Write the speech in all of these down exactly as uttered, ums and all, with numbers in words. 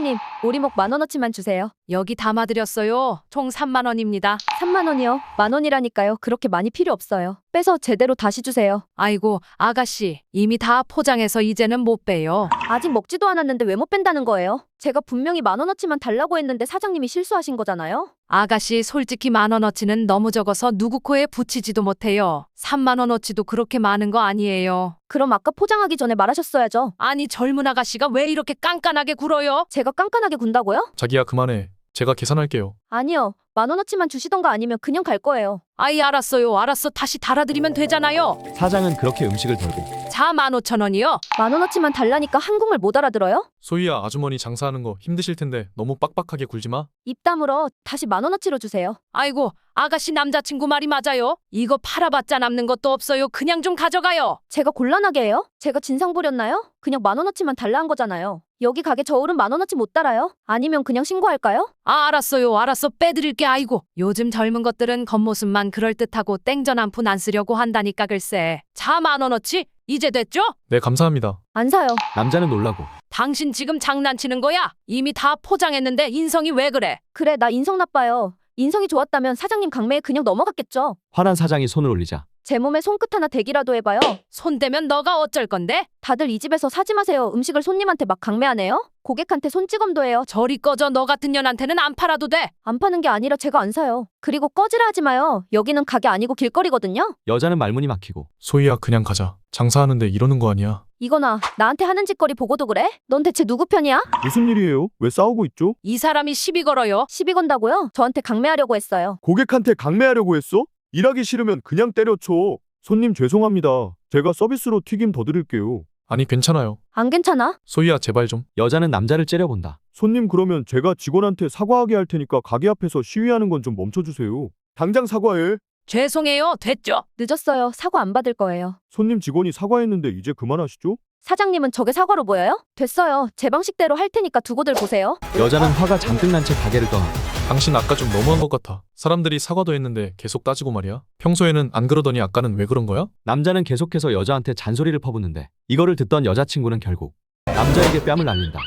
사장님, 오리목 만 원어치만 주세요. 여기 담아드렸어요. 총 삼만 원입니다. 삼만 원이요? 만 원이라니까요. 그렇게 많이 필요 없어요. 빼서 제대로 다시 주세요. 아이고, 아가씨. 이미 다 포장해서 이제는 못 빼요. 아직 먹지도 않았는데 왜 못 뺀다는 거예요? 제가 분명히 만 원어치만 달라고 했는데 사장님이 실수하신 거잖아요. 아가씨, 솔직히 만 원어치는 너무 적어서 누구 코에 붙이지도 못해요. 삼만 원어치도 그렇게 많은 거 아니에요. 그럼 아까 포장하기 전에 말하셨어야죠. 아니, 젊은 아가씨가 왜 이렇게 깐깐하게 굴어요? 제가 깐깐하게 군다고요? 자기야 그만해. 제가 계산할게요. 아니요. 만 원어치만 주시던가 아니면 그냥 갈 거예요. 아이, 알았어요. 알았어. 다시 달아드리면 되잖아요. 사장은 그렇게 음식을 덜고 자, 만 오천 원이요. 만 원어치만 달라니까 한국말 못 알아들어요? 소희야 아주머니 장사하는 거 힘드실 텐데 너무 빡빡하게 굴지 마. 입 다물어. 다시 만 원어치로 주세요. 아이고, 아가씨 남자친구 말이 맞아요. 이거 팔아봤자 남는 것도 없어요. 그냥 좀 가져가요. 제가 곤란하게 해요? 제가 진상 부렸나요? 그냥 만 원어치만 달라 한 거잖아요. 여기 가게 저울은 만 원어치 못 달아요? 아니면 그냥 신고할까요? 아, 알았어요. 알았어. 빼드릴게. 아이고, 요즘 젊은 것들은 겉모습만 그럴듯하고 땡전 한 푼 안 쓰려고 한다니까 글쎄. 자, 만 원어치. 이제 됐죠? 네 감사합니다. 안 사요. 남자는 놀라고 당신 지금 장난치는 거야? 이미 다 포장했는데 인성이 왜 그래? 그래, 나 인성 나빠요. 인성이 좋았다면 사장님 강매에 그냥 넘어갔겠죠. 화난 사장이 손을 올리자 제 몸에 손끝 하나 대기라도 해봐요. 손대면 너가 어쩔 건데? 다들 이 집에서 사지 마세요. 음식을 손님한테 막 강매하네요. 고객한테 손찌검도 해요. 저리 꺼져. 너 같은 년한테는 안 팔아도 돼. 안 파는 게 아니라 제가 안 사요. 그리고 꺼지라 하지 마요. 여기는 가게 아니고 길거리거든요. 여자는 말문이 막히고 소희야 그냥 가자. 장사하는데 이러는 거 아니야. 이거나 나한테 하는 짓거리 보고도 그래? 넌 대체 누구 편이야? 무슨 일이에요? 왜 싸우고 있죠? 이 사람이 시비 걸어요. 시비 건다고요? 저한테 강매하려고 했어요. 고객한테 강매하려고 했어? 일하기 싫으면 그냥 때려쳐. 손님 죄송합니다. 제가 서비스로 튀김 더 드릴게요. 아니 괜찮아요. 안 괜찮아? 소희야 제발 좀. 여자는 남자를 째려본다. 손님 그러면 제가 직원한테 사과하게 할 테니까 가게 앞에서 시위하는 건 좀 멈춰주세요. 당장 사과해. 죄송해요. 됐죠? 늦었어요. 사과 안 받을 거예요. 손님 직원이 사과했는데 이제 그만하시죠? 사장님은 저게 사과로 보여요? 됐어요. 제 방식대로 할 테니까 두고들 보세요. 여자는 화가 잔뜩 난 채 가게를 떠나 당신 아까 좀 너무한 것 같아. 사람들이 사과도 했는데 계속 따지고 말이야. 평소에는 안 그러더니 아까는 왜 그런 거야? 남자는 계속해서 여자한테 잔소리를 퍼붓는데 이거를 듣던 여자친구는 결국 남자에게 뺨을 날린다.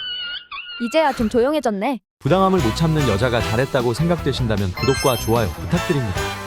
이제야 좀 조용해졌네. 부당함을 못 참는 여자가 잘했다고 생각되신다면 구독과 좋아요 부탁드립니다.